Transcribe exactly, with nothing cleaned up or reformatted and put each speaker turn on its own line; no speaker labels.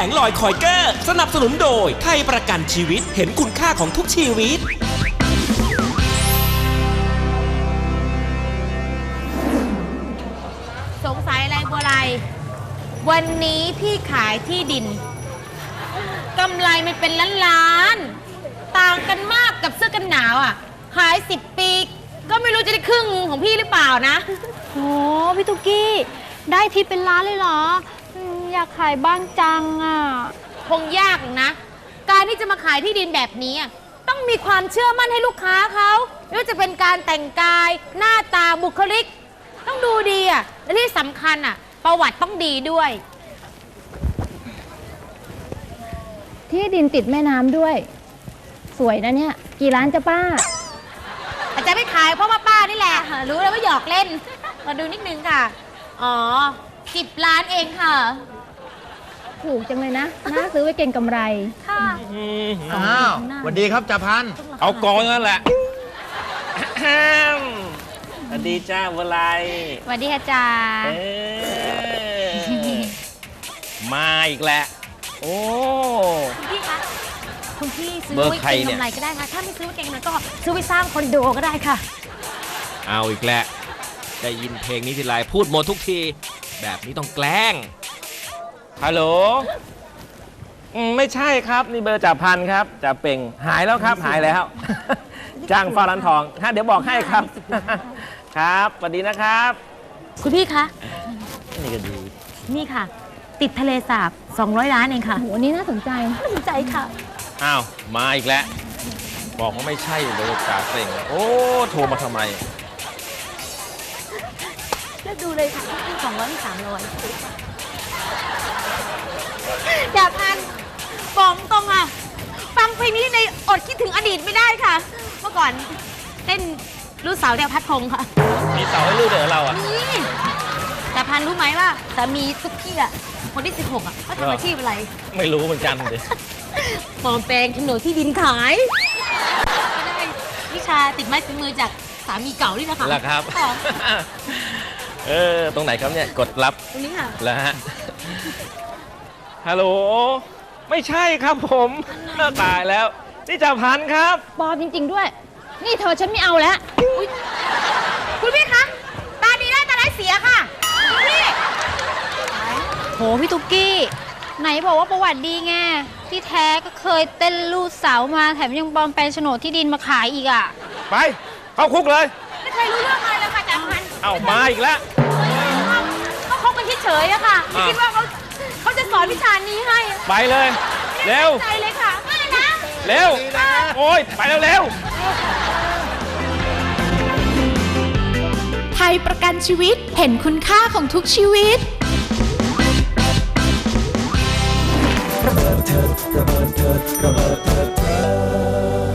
งลอยคอยเกอร์สนับสนุนโดยไทยประกันชีวิตเห็นคุณค่าของทุกชีวิต
สงสัยอะไรบัวไรวันนี้พี่ขายที่ดินกำไรมันเป็นล้านล้านต่างกันมากกับเสื้อกันหนาวอ่ะขายสิบปีก็ไม่รู้จะได้ครึ่งของพี่หรือเปล่านะ
โอ้พี่ตุ๊กกี้ได้ทิปเป็นล้านเลยเหรออยากขายบ้างจังอ่ะ
คงยากนะการที่จะมาขายที่ดินแบบนี้ต้องมีความเชื่อมั่นให้ลูกค้าเขาไม่ว่าจะเป็นการแต่งกายหน้าตาบุคลิกต้องดูดีอ่ะและที่สำคัญอ่ะประวัติต้องดีด้วย
ที่ดินติดแม่น้ำด้วยสวยนะเนี่ยกี่ล้านจ้ะป้า
อาจจะไม่ขายเพราะว่าป้านี่แหละรู้แล้วว่าหยอกเล่นมาดูนิดนึงค่ะอ๋อสิบล้านเองค่ะ
ถูกจังเลยนะน่าซื้อไว้เก่งกำไร
ค่ะ
อ้าวสวัสดีครับจ่าพัน
เอากองนั่นแหละสวัสดีจ้าบัวไล
สวัสดีค่ะจ่า
มาอีกแล้วโอ้
คุณพี่คะคุณพี่ซื้อไว้เก่งกำไรก็ได้ค่ะถ้าไม่ซื้อไว้เก่งกำไรก็ซื้อไว้สร้างคอนโดก็ได้ค่ะ
เอาอีกแล้วได้ยินเพลงนี้ทีไรพูดหมดทุกทีแบบนี้ต้องแกล้งฮัลโหลไม่ใช่ครับนี่เบอร์จ่าพันครับจ่าเป่งหายแล้วครับหายแล้วจ้างฟ้าร้านทองฮะเดี๋ยวบอกให้ครับครับสวัสดีนะครับ
คุณพี่คะ
นี่ก็ดี
นี่ค่ะติดทะเลสาบสองร้อยล้านเองค่ะ
โหนี่น่าสนใจ
น่าสนใจค่ะ
อ้าวมาอีกแล้วบอกว่าไม่ใช่เบอร์จ่าเป่งโอ้โทรมาทำไม
เลือกดูเลยค่ะที่สองร้อยที่สามร้อยอยากพันบอกตรงอ่ะฟังเพลงนี้ในอดคิดถึงอดีตไม่ได้ค่ะเมื่อก่อนเต้นลูกสาวแดวพัดพงค่ะ
มีสาวให้ลูกเดี๋ยวเราอ่ะ
นี่แต่พันรู้ไหมว่าสามีทุกที่อ่ะคนที่สิบหกอ่ะเขาทำอาชีพอะไร
ไม่รู้เหมือนกันเลย
ปลอมแปลงโฉนดที่ดินขายก็ได้วิชาติดไม้ติดมือจากสามีเก่านี่นะคะ
แล้วครับเออตรงไหนครับเนี่ยกดรับ
ตรงนี้ค่ะ
แล้วฮะฮัลโหลไม่ใช่ครับผมตายแล้วนี่จ่าพันครับ
ปลอมจริงๆด้วยนี่เธอฉันไม่เอาแล้ว
คุณพี่คะตาดีได้ตาร้ายเสียค่ะคุณพี่
โหพี่ตุ๊กกี้ไหนบอกว่าประวัติดีไงที่แท้ก็เคยเต้นลูกสาวมาแถมยังปลอมแปลงโฉนดที่ดินมาขายอีกอ่ะ
ไปเข้าคุกเลย
ไม่เคยรู้เรื่องอะไรเลยค่ะจ่าพัน
เอ้ามาอีกแล้ว
เขาคบกันเฉยๆอะค่ะไม่คิดว่าเขาเขาจะสอนวิชานี้ให้
ไปเลยเร็ว
ใจเลยค่ะไม่นะ
เร็วโอ้ยไปเร็วเร็ว
ไทยประกันชีวิตเห็นคุณค่าของทุกชีวิตระเบิดเถิดระเบิดเถิดระเบิดเถิด